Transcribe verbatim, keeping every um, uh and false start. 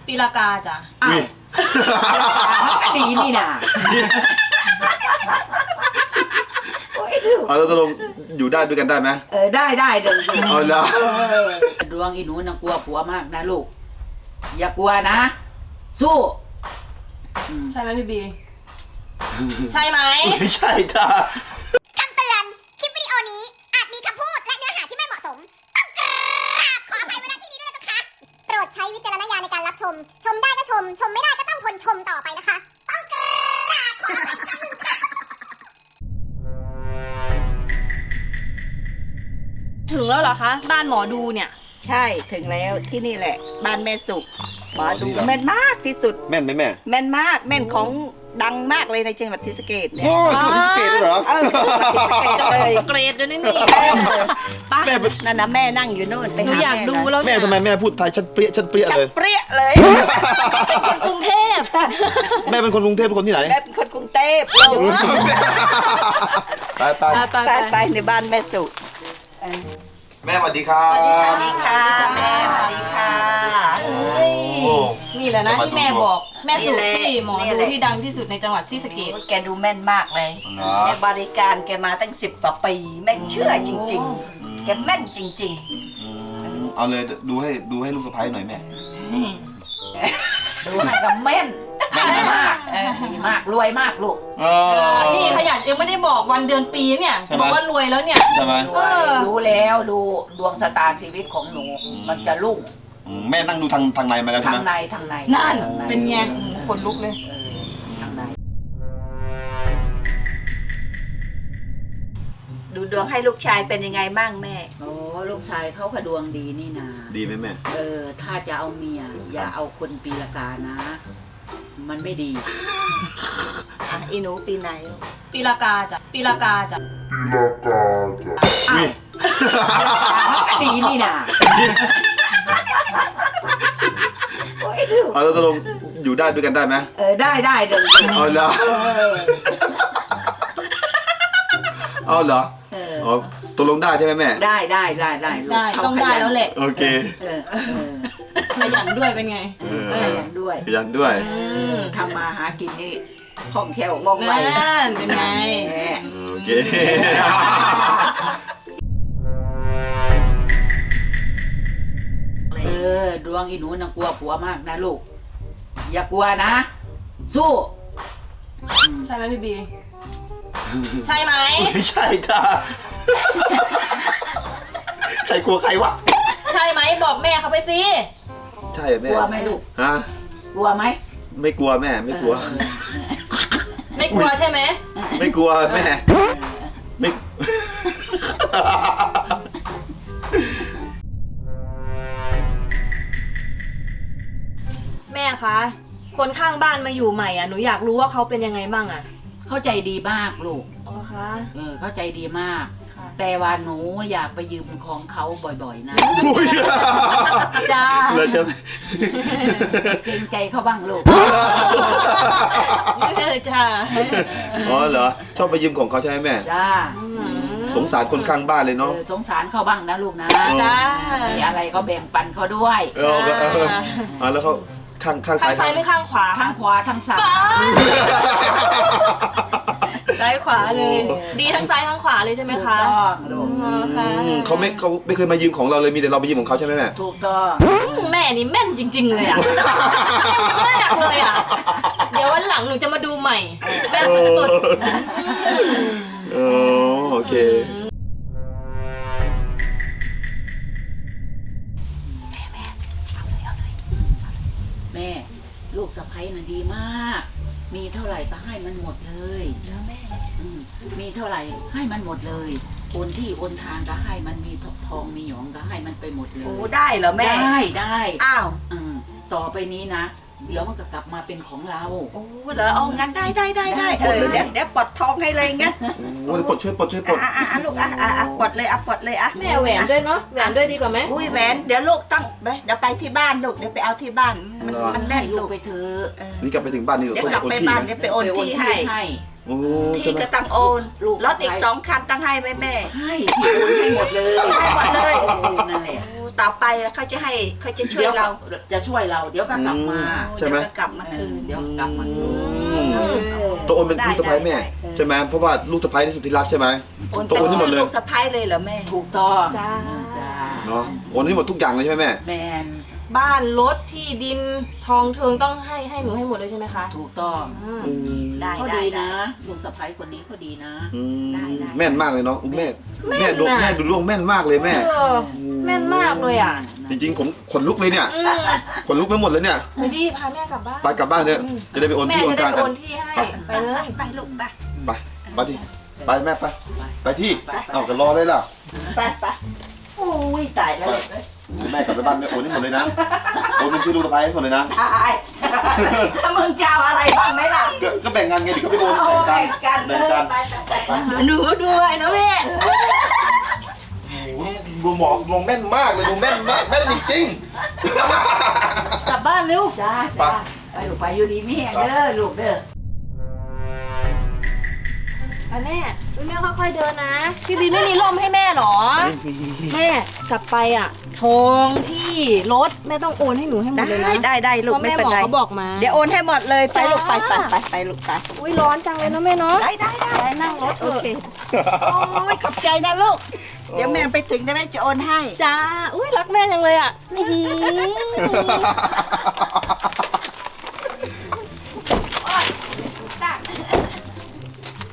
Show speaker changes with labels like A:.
A: ปีละกาจ้ะ
B: อ้าวมันก็ดีนี่นะ
C: เอาแล้วตกลงอยู่ได้ด้วยกันได้ไหม
B: เออได้ได้เดี๋ยว
C: เอาแล้ว
B: ดวงอีหนูนะกลัวผัวมากนะลูกอย่ากลัวนะสู้
A: ใช่ไหมพี่บีใช่ไหม
C: ไม่ใช่จ้า
D: คำเตือน คลิปวิดีโอนี้อาจมีคำพูดและเนื้อหาที่ไม่เหมาะสม ต้องกราบขออภัยไว้ณที่นี้ด้วยนะคะ โปรดใช้วิจารณญาณในการรับชม ชมได้ก็ชม ชมไม่ได้ก็ต้องทนชมต่อไปนะคะ ต้องกราบขออภัยค่ะ
A: ถึงแล้วเหรอคะบ้านหมอดูเนี่ย
B: ใช่ถึงแล้วที่นี่แหละบ้านแม่สุขหมอดูแม่นมากที่สุด
C: แม่นไหมแม่
B: แม่นมากแม่นของดังมากเลยในจังหวัดศรีสะเกษเนี่ย
C: โอ้จังหวัดศรีสะเกษด้วยเหรอ
B: เออจังหวัดศรีสะเกษเลย
A: เกรดเดี๋ยวนี้นี่
C: แม่เป็น
B: นั่นนะแม่นั่งอยู่โน่นไป
A: หนู
B: หา
A: อยากดูแล้ว
C: แม่ทำไมแม่พูดไทยชัดเปรี้ยชัดเปรี้ย
B: ชัด
C: เลย
B: เปรี้ยเลย
A: เป็นคนกรุงเทพ
C: แม่เป็นคนกรุงเทพเป็นคนที่ไหน
B: แม่เป็นคนกรุงเทพ
C: ไปไป
A: ไป
B: ไปไปในบ้านแม่สุข
C: แม่สวัสดีครับ
B: สวัสดีค่ะแม่สวัสดีค่ะ
A: นี่แหละนะที่แม่บอกแม่สุ
B: นี่แหละ
A: ที่หมอ
B: นี่
A: ดู
B: แหละ
A: ที่ดังที่สุดในจังหวัดศรีสะเกษ
B: แกดูแม่นมากเลย
C: เหรอ
B: แกบริการแกมาตั้งสิบกว่าปีแม่งเชื่อจริงๆ แกแม่นจริง
C: อืมเอาเลยดูให้ดูให้ลูกสะใภ้หน่อยแม่
B: ๆ ดูให้กับแม่นดีมากเออดีมากรวยมากลูก
C: เออ
A: นี่ขยันยังไม่ได้บอกวันเดือนปีเนี่ย
C: ใช่ไหม
A: บอกว่ารวยแล้วเนี่ย
C: ใช่ไหม
A: เออ
B: รู้แล้วดูดวงชะตาชีวิตของหนู มันจะรุ่ง
C: อืมแม่นั่งดูทางทางในมาแล้วใช่
B: ทาง
C: ไหม
B: ในทางใน
A: นั่น
B: ทางใ
A: เป็นไงขนลุกเลย
B: เออทางในดูดวงให้ลูกชายเป็นยังไงบ้างแม่โอ้ลูกชายเขาก็ดวงดีนี่นา
C: ดีไหมแม่
B: เออถ้าจะเอาเมียอย่าเอาคนปีละกานะ มันไม่ดีอีหนูปีไหน
A: ปีละกาจ้ะปีละกาจ้ะ
B: อ้าวมันก็ดีนี่นะ
C: เอาแล้วตกลงอยู่ได้ด้วยกันได้ไหม
B: เออได้ได้เดี๋ยว
C: เอาแล้วเอาเหรอ
B: เออ
C: อ๋อตกลงได้ใช่ไหมแม่
B: ได้ได้ได้ได้ลูก
A: ได้
B: เขา
A: ต้อง
B: ข
A: ได้
B: ยัน
A: แล้วแหละ
C: โอเค
B: เออเออ
A: ขยันด้วยเป็นไง
C: เออ
B: ขยันด้วย
C: ขยันด้วย
A: อืม
B: ทำมาหากินนี่คล่องแคล่วว่องไว
A: นั่นเป็นไง
B: แหม
C: โอเค
B: เออดวงอีหนูน่ะกลัวผัวมากนะลูกอย่ากลัวนะ สู้อืม
A: ใช่ไหมพี่บีใช่ไหม
C: ไม่ใช่จ้าใครกลัวใครวะ
A: ใช่ไหมบอกแม่เขาไปสิ
C: ใช่เหรอแม่
B: กลัวไหมลูก
C: ฮะ
B: กลัวไหม
C: ไม่กลัวแม่ไม่กลัว
B: เออ
A: ไม่กลัวใช่ไหม
C: ไม่กลัวแม่ ไม่
A: แม่คะคนข้างบ้านมาอยู่ใหม่อ่ะหนูอยากรู้ว่าเขาเป็นยังไงบ้างอ่ะ
B: เข้าใจดีมากลูก
A: อ๋อคะ
B: เออเข้าใจดีมาก
A: ค่ะ
B: แต่ว่าหนูอยากไปยืมของเขาบ่อยๆนะ
C: อุ้ย
A: จ้า
C: เราจะ
B: เกรงใจเขาบ้างลูก
A: เออจ้า
C: อ๋อเหรอชอบไปยืมของเขาใช่ไหมแม่
B: จ้า
A: อืม
C: สงสารคนข้างบ้านเลย
B: เอ
C: เนาะ
B: อสงสารเขาบ้างนะลูกนะ
A: จ้า
B: มีอะไรก็แบ่งปันเขาด้วย
C: เออเออเอออ่ะแล้วเขาข้างข้าง
A: ข้า
C: ซ้าง ย
A: ซ้ายหรือข้างขวา
B: ทั้งขวาทั้งซ้าย
A: ซ้ายขวาเลย ดีทั้งซ้ายทั้งขวาเลยใช่ไหม
B: ถูก
A: คะ
B: ต้องลูก
A: อ๋อค่ะ
C: อืมเขาไม่เขาไม่เคยมายืมของเราเลยมีแต่เราไปยืมของเขาใช่ไหมแม่
B: ถูกต้อง
A: อืมแม่นี่แม่นจริง ๆ เลยอ่ะแม่นมากเลยอ่ะ เดี๋ยววันหลังหนูจะมาดูใหม่แม่นสุด
C: เออโอเค
B: แม่ลูกสะใภ้น่ะดีมาก มีเท่าไหร่ก็ให้มันหมดเลยแล้วแม่มีเท่าไหร่ให้มันหมดเลยโอนที่โอนทางก็ให้มันมีทองมีหยองก็ให้มันไปหมดเลย
E: โอ้ได้เหรอแม่
B: ได้ได้
E: อ้าว
B: อืมต่อไปนี้นะ เดี๋ยวมันก็กลับมาเป็นของเรา
E: โอ้เหรอเอางั้นได้ได้ได้ได้
B: ได้
E: เออเดี๋ยวเดี๋ยวปลดทองให้เลยงั้น
C: โอ้ยปลดช่วยปลดช่วยปลด
E: อ่ะอ่ะอ่ะลูกอ่ะอ่ะอ่ะปลดเลยอ่ะปลดเลยอ่ะ
A: ๆแม่แหวนด้วยเนาะแหวนด้วยดีกว่าไหม
E: อุ้ยแหวนเดี๋ยวลูกต้องไปเดี๋ยวไปที่บ้านลูกเดี๋ยวไปเอาที่บ้านมันมันแน่น
B: ให้ลู
E: ลู
B: ก
E: ก
B: ไปเถอะ
E: เออ
C: นี่กลับไปถึงบ้านนี่เรา
E: เดี๋ยว
C: ต้อง
E: กลับ
C: โอน
E: ไป
C: ที่
E: บ้าน
C: ไหม
E: เดี๋ยวไปโอนที่ให้
B: ให้
C: โอ้ใช่
E: ที่
C: ไหม
E: ก็ต้องโอน
B: ลูก
E: รถอีกสองคันต้องให้ไหมแม่
B: ให้ที่โอนให้หมดเลย
E: ให้หมดเลย
B: ออนั่นแหละ
E: โอ้ต่อไปเขาจะให้เขาจะช่วย
B: เดี๋ยว
E: เรา
B: จะช่วยเรา เดี๋ยวก็กลับมา
C: ใช่ไหม
E: เดี๋ยวก็กลับมาคืน
B: เดี๋ยวกลับมาคืน
C: อืมตัวโอนเป็นลูกสะใภ้แม่
E: ได้ได้
C: ใช่ไหมเพราะว่าลูกสะใภ้ที่สุดที่รักใช่ไหม
E: โอน
C: ตัว
E: เป็น
C: โอนที่หม
E: ชื่
C: ด
E: อ
C: เลย
E: ลูกสะใภ้เลยเหรอแม่
B: ถูกต้อง
A: จ้า
B: จ้า
C: เนาะโอนให้หมดทุกอย่างเลยใช่ไหมแม่
B: แมน
A: บ้านรถที่ดินทองเทิงต้องให้ให้หนูให้หมดเลยใช่ไหมคะ
B: ถูกต้อง
A: อืม
C: อืม
E: ได้
B: เขา
E: ได้
B: ดี
E: ได้
B: นะลุงสะพ้ายคนนี้เขาดีนะ
C: อืม
E: ได้ได้
C: แม่นมากเลยเนาะอุ๊ยแม่
A: แม่
C: แม่
A: น
C: ดู
A: น่ะ
C: แม่ดูดวงแม่นมากเลยแม่
A: เออแม่นมากเลยอ่ะ
C: จริงๆผมขนลุกเลยเนี่ย
A: อืม
C: ขนลุกไปหมดเลยเนี่ย
A: ไปดีพาแม่กลับบ้าน
C: ไปกลับบ้านเนี่ยจะได้ไปโอน
A: แม่
C: ที่โอน
A: จะ
C: ทา
A: ได้
C: งกัน
A: โอนที่ให้ ไปเลย
E: ไปลูกไป
C: ไปไปที่ไปแม่ไปไปที่เอากันรอเลยล่ะ
E: ไปไปโอ้ยตายแล้ว
C: แม่กลับไปบ้านแม่โอนให้หมดเลยนะโอนเป็นชื่อลูกสะใภ้ให้หมดเลยนะ
E: ตายถ้ามึงจะเอาอะไรบ้างไหมล่ะ
C: ก็ก็แบ่งงานไงเดี๋ยวก็ไปโอน
E: เอา
C: แบ่ง
E: แบ่
C: กัน
E: งกัน
C: แบ่งกัน
E: ไปไปไป
A: หนูด้วยนะแม่
C: โอ้โหดูหมอดวงแม่นมากเลยดูแม่นมากแม่นจริง
A: กลับบ้านเร็ว
B: จ้าจ้าไปลูกไปอยู่ดีไม่แห้งเด้อลูกเด้อ
A: ไปแม่อุ๊ยแม่ค่อยๆเดินนะ พี่บีไม่มีร่มให้แม่หรอ แม่กลับไปอ่ะ ทองที่รถแม่ต้องโอนให้หนูให้หมดเลย
E: ได้
A: นะ
E: ได้ได้ลูก
A: เพราะ
E: ไม่
A: แม่
E: เป็น
A: หมอ
E: ไร
A: เขาบอกมา
E: เดี๋ยวโอนให้หมดเลยไปลูกไปไป
A: จ้า
E: ไปไปลูกไป
A: อุ้ยร้อนจังเลยนะแม่เนาะ
E: ได้ได้ได้
A: ไปนั่งรถเถ
E: โอ
A: อะ
E: เคโอ้ยขอบใจนะลูก เดี๋ยวแม่ไปถึงได้แม่จะโอนให้
A: จ้า อุ้ยรักแม่จังเลยอ่ะอื้อหือ